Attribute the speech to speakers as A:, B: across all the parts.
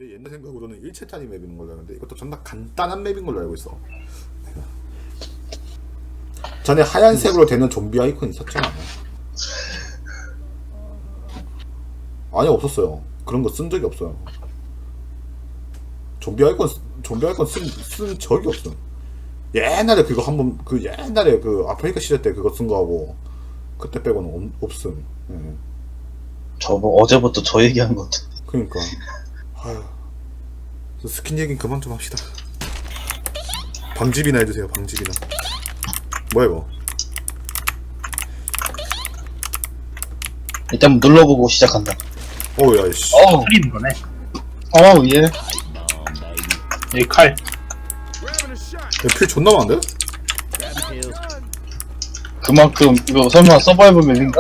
A: 내 옛날 생각으로는 1채짜리 맵인 걸로 아는데 이것도 존나 간단한 맵인 걸로 알고 있어. 전에 하얀색으로 되는 좀비 아이콘 있었잖아. 아니 없었어요. 그런 거 쓴 적이 없어요. 좀비 아이콘 쓴 적이 없어. 옛날에 그거 한번 그 옛날에 그 아프리카 시절 때 그거 쓴 거하고 그때 빼고는 없음. 예.
B: 저 뭐 어제부터 저 얘기한 것 같아.
A: 그러니까. 아휴. 스킨 얘긴 그만 좀 합시다. 방집이나 해주세요. 방집이나. 뭐야 이거?
B: 일단 눌러보고 시작한다.
A: 어우야 씨.
C: 살리는 거네.
B: 예.
C: 여기 칼.
A: 필 존나 많은데?
B: 그만큼 이거 설마 서바이벌 맵인가?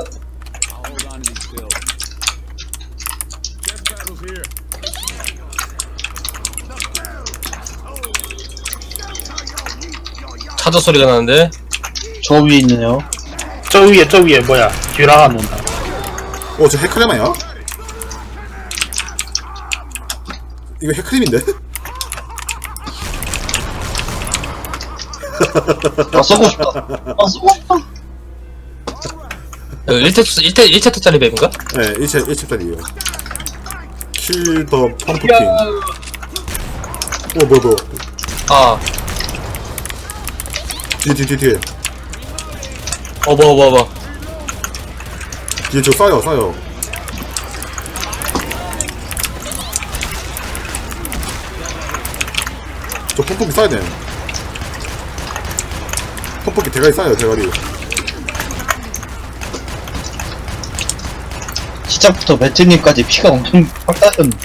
D: 차저 소리가 나는데?
B: 저 위에 있네요.
C: 저 위에 뭐야? 듀라가 논다.
A: 저 헤크레마야? 이거 헤크림인데?
B: 아 쏘고 싶다. 아 쏘고 싶다.
D: 1챕터짜리 맵인가?
A: 네, 1챕짜리에요. 킬 더 펌프킨. 뭐야.
D: 아,
A: 뒤에.
D: 뭐.
A: 뒤에 저 싸요. 저 펌프킨 싸야 돼. 펌프킨 대가리 싸요, 대가리.
B: 시작부터 매트님까지 피가 엄청 확 따졌네.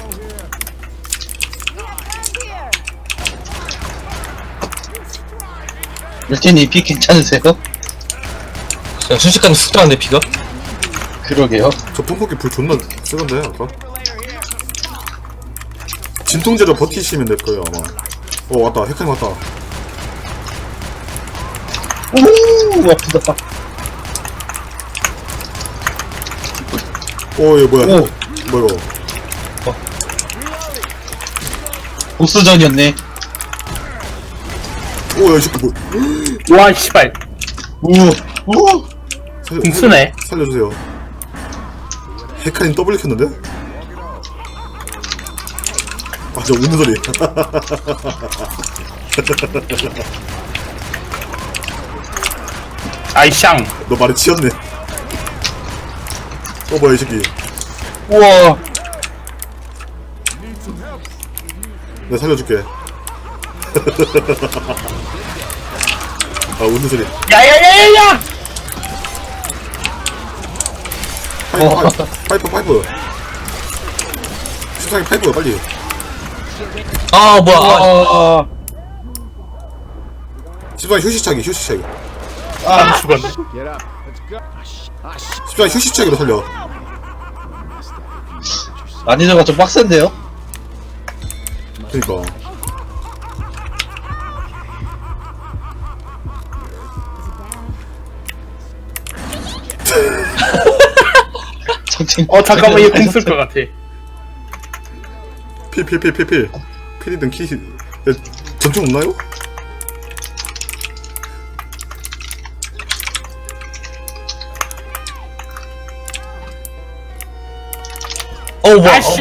B: 매트님 피 괜찮으세요?
D: 그냥 순식간에 훅 들어갔네, 피가?
B: 그러게요.
A: 저 펌프킨 불 존나 쓰던데, 아까? 진통제로 버티시면 될 거예요, 아마. 왔다. 헤크림 왔다.
B: 오 아프다.
A: 얘 뭐야?
B: 오.
A: 뭐야 이거?
B: 보스전이었네.
A: 야, 이 새끼 뭐?
C: 와 씨발.
B: 우.
C: 궁수네.
A: 살려주세요. 헤카림 더블 켰는데? 저 웃는 소리.
C: 아이샹.
A: 너 말에 치였네. 뭐야 이 새끼.
B: 우와.
A: 내가 살려줄게. 웃는 소리.
C: 야야야야야.
A: 파이프. 세상에 파이프 빨리.
D: 아, 뭐야.
A: 집안에 휴식차기.
C: 아 죽었네.
A: 집안에 휴식차기로 살려.
B: 난이도가 좀 빡센데요?
A: 그니까.
B: 정신.
C: 잠깐만 얘 궁 쓸 것 같아.
A: 필. 필이든 키. 전투 없나요?
D: 뭐야.
C: 아씨.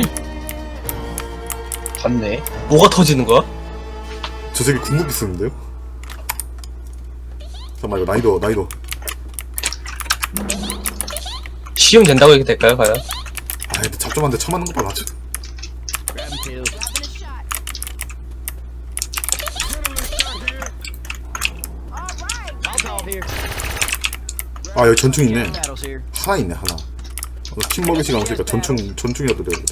B: 봤네.
D: 뭐가 터지는 거야?
A: 저 새끼 궁극기 쓰는데요? 잠깐만 이거 난이도.
D: 시험 된다고 얘기 될까요, 과연?
A: 근데 잡점한테 처맞는 거 봐, 맞지? 여기 전충 있네. 하나 있네, 하나. 팀 먹일 시간 없으니까 전충이라도 돼야 돼.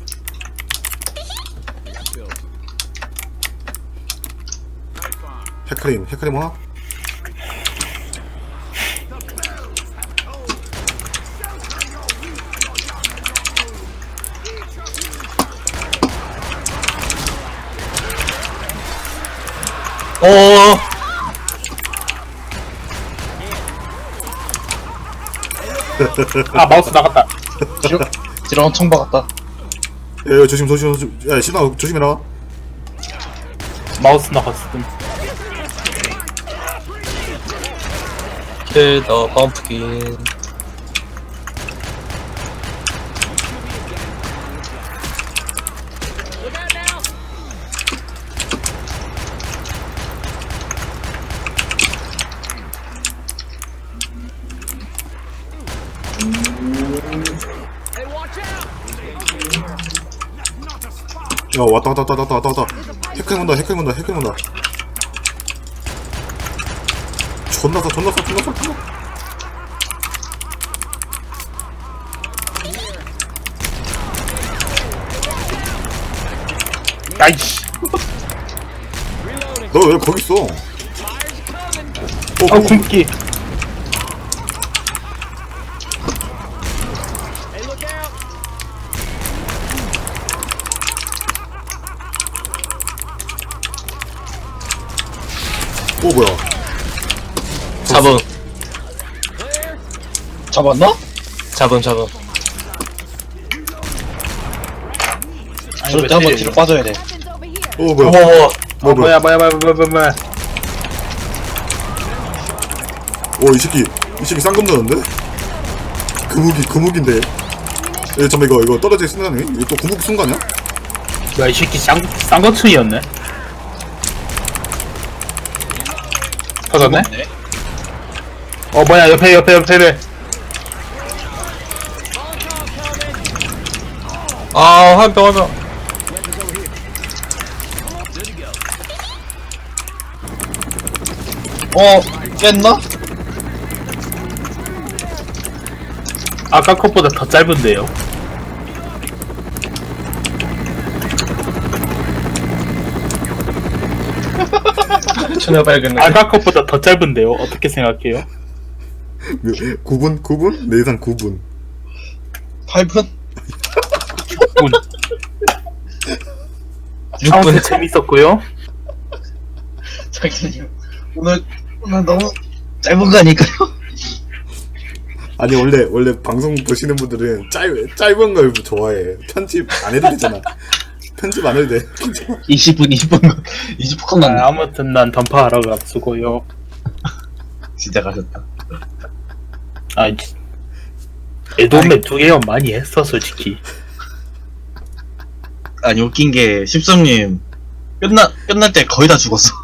A: 헤카림 하나?
C: 아 마우스 나갔다.
B: 지렁 엄청 박았다.
A: 야, 조심. 야, 신아 조심해라.
C: 마우스 나갔음.
D: 킬 더 펌프킨.
A: 야, 왔다. 해킹 온다. 존나 쏴.
C: 야이씨.
A: 너 왜 거기 있어?
C: 아, 굶기.
A: 뭐야?
D: 잡음.
B: 잡았나?
D: 잡음.
B: 저럴 때 한번 뒤로 빠져야 돼.
A: 뭐야?
D: 어머.
C: 뭐야.
A: 이 새끼 쌍검 넣었는데? 그 무기인데. 야, 잠깐만, 이거 떨어질 순간에? 이거 또 구무기 순간이야?
C: 야, 이 새끼 쌍거충이었네. 터졌네? 뭐야, 옆에.
D: 한병.
B: 깼나?
C: 아까 컷보다 더 짧은데요.
D: 전혀 발견.
C: 아까 컷보다 더 짧은데요. 어떻게 생각해요?
A: 9분? 내 예상 9분.
B: 8분?
C: 운. 아무튼 재밌었고요.
B: 장사님 오늘 너무 짧은 거 아닐까요?
A: 아니, 원래 방송 보시는 분들은 짧은 걸 좋아해. 편집 안 해도 되잖아. 편집 안 해도 돼.
B: 20분 났네.
C: 아무튼 난 던파하러 갔수고요.
B: 진짜 가셨다.
C: 애돔에 2개월 많이 했어, 솔직히.
B: 아니 웃긴 게 십성님 끝날 때 거의 다 죽었어.